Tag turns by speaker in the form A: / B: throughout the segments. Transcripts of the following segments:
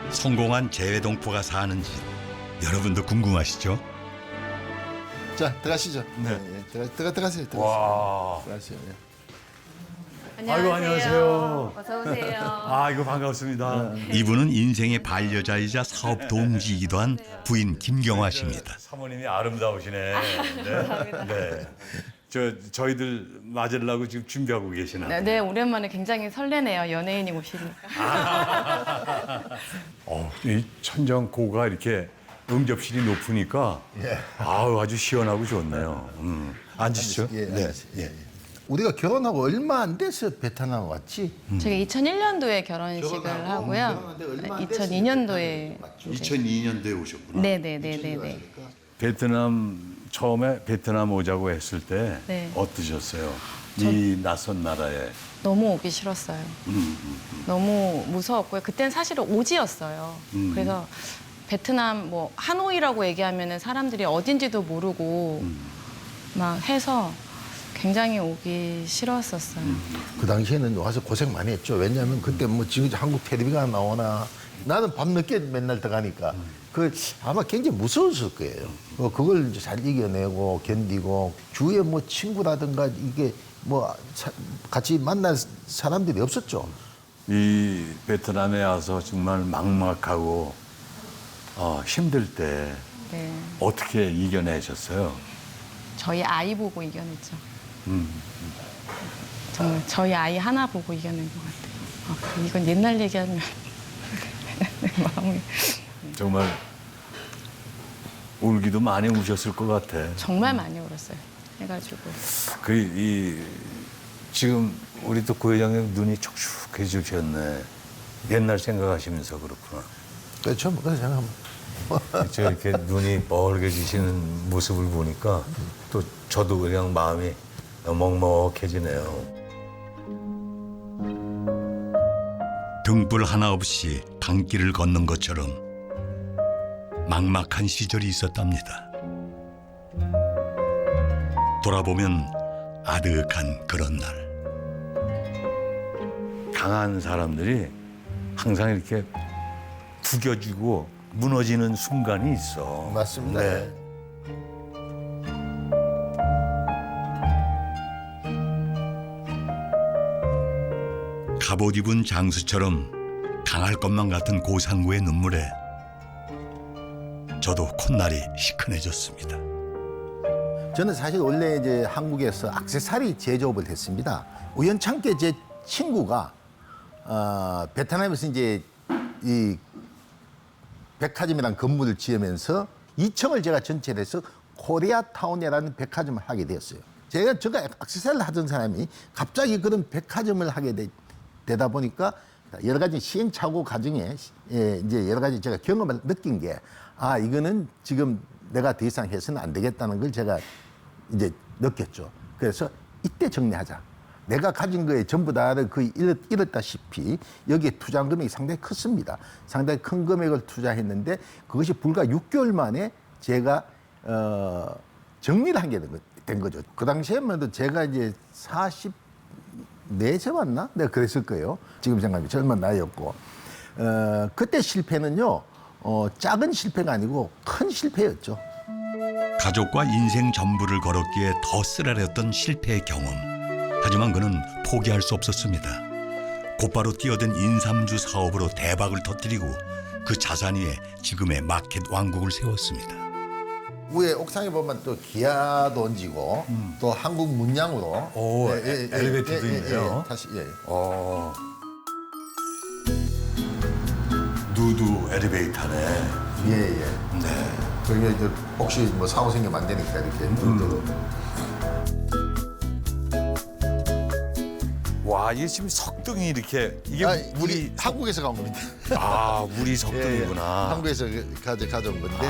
A: 성공한 재외동포가 사는 집 여러분도 궁금하시죠?
B: 자, 들어가시죠.
C: 네.
B: 들어가세요.
C: 와.
B: 들어가세요. 예.
C: 아이고, 안녕하세요.
D: 어서 오세요.
C: 아, 이거 반갑습니다.
A: 이분은 인생의 반려자이자 사업 동지이기도 한 부인 김경화 씨입니다.
C: 사모님이 아름다우시네. 네. 네. 저희들 맞으려고 지금 준비하고 계시나?
D: 네, 네, 오랜만에 굉장히 설레네요. 연예인이 오시니까.
C: 이 천정고가 이렇게 응접실이 높으니까 아우 아주 시원하고 좋네요. 앉으시죠.
B: 예,
C: 네.
B: 예. 우리가 결혼하고 얼마 안 돼서 베트남 왔지?
D: 제가 2001년도에 결혼식을 하고요.
B: 결혼하는데 얼마 안 됐으니까
D: 2002년도에
A: 2002년도에 오셨구나.
D: 네네네네네.
C: 베트남 처음에 베트남 오자고 했을 때
D: 네.
C: 어떠셨어요? 이 낯선 나라에.
D: 너무 오기 싫었어요. 너무 무서웠고요. 그땐 사실은 오지였어요. 그래서 베트남 뭐 하노이라고 얘기하면은 사람들이 어딘지도 모르고 막 해서 굉장히 오기 싫었었어요.
B: 그 당시에는 와서 고생 많이 했죠. 왜냐하면 그때 뭐 지금 한국 텔레비가 나오나 나는 밤늦게 맨날 들어가니까 그 아마 굉장히 무서웠을 거예요. 그걸 이제 잘 이겨내고 견디고 주위에 뭐 친구라든가 이게 뭐 같이 만날 사람들이 없었죠.
C: 이 베트남에 와서 정말 막막하고 힘들 때
D: 네.
C: 어떻게 이겨내셨어요?
D: 저희 아이 보고 이겨냈죠. 정말 저희 아이 하나 보고 이겨낸 것 같아요. 이건 옛날 얘기하면 내 마음이
C: 정말 울기도 많이 우셨을 것 같아.
D: 정말 많이 울었어요. 해가지고
C: 지금 우리 또 고회장님 눈이 촉촉해지셨네. 옛날 생각하시면서 그렇구나.
B: 그렇죠. 그래서 제가
C: 저 이렇게 눈이 뻘개지시는 모습을 보니까 또 저도 그냥 마음이 먹먹해지네요.
A: 등불 하나 없이 강길을 걷는 것처럼 막막한 시절이 있었답니다. 돌아보면 아득한 그런 날.
C: 강한 사람들이 항상 이렇게 구겨지고 무너지는 순간이 있어.
B: 맞습니다.
C: 네.
A: 갑옷 입은 장수처럼 강할 것만 같은 고상구의 눈물에 저도 콧날이 시큰해졌습니다.
B: 저는 사실 원래 이제 한국에서 액세서리 제조업을 했습니다. 우연찮게 제 친구가 베트남에서 이제 이 백화점이라는 건물을 지으면서 2층을 제가 전체를 해서 코리아타운이라는 백화점을 하게 되었어요. 제가 액세서리를 하던 사람이 갑자기 그런 백화점을 하게 되다 보니까 여러 가지 시행착오 과정에 이제 여러 가지 제가 경험을 느낀 게 이거는 지금 내가 더 이상 해서는 안 되겠다는 걸 제가 이제 느꼈죠. 그래서 이때 정리하자. 내가 가진 거에 전부 다를 거의 잃었다시피 여기에 투자한 금액이 상당히 컸습니다. 상당히 큰 금액을 투자했는데 그것이 불과 6개월 만에 제가 정리를 하게 된 거죠. 그 당시에만 해도 제가 이제 44세 맞나? 내가 그랬을 거예요. 지금 생각하면 젊은 나이였고. 그때 실패는요. 작은 실패가 아니고 큰 실패였죠.
A: 가족과 인생 전부를 걸었기에 더 쓰라렸던 실패의 경험. 하지만 그는 포기할 수 없었습니다. 곧바로 뛰어든 인삼주 사업으로 대박을 터뜨리고 그 자산 위에 지금의 마켓 왕국을 세웠습니다.
B: 위에 옥상에 보면 또 기아도 얹고 또 한국 문양으로
C: 엘리베이터도 있네요.
B: 다시
C: 누드 엘리베이터네.
B: 네. 그게 이제 혹시 뭐 사고 생기면 안 되니까 이렇게
C: 와, 이게 지금 석등이 이렇게 이게 물이
B: 이게 한국에서 간 겁니다.
C: 물이 석등이구나.
B: 한국에서 가져온 건데.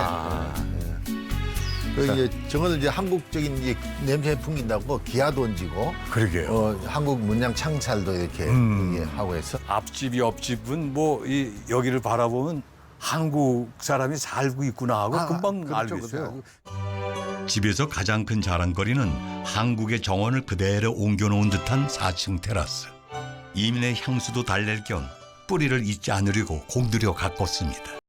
B: 그 이제 저거는 이제 한국적인 이제 냄새 풍긴다고 기아도 얹고.
C: 그러게요.
B: 한국 문양 창살도 이렇게 하고 해서.
C: 앞집 옆집은 뭐 여기를 바라보면 한국 사람이 살고 있구나 하고 금방
B: 그렇죠,
C: 알겠어요.
A: 집에서 가장 큰 자랑거리는 한국의 정원을 그대로 옮겨놓은 듯한 4층 테라스. 이민의 향수도 달랠 겸 뿌리를 잊지 않으려고 공들여 가꿨습니다.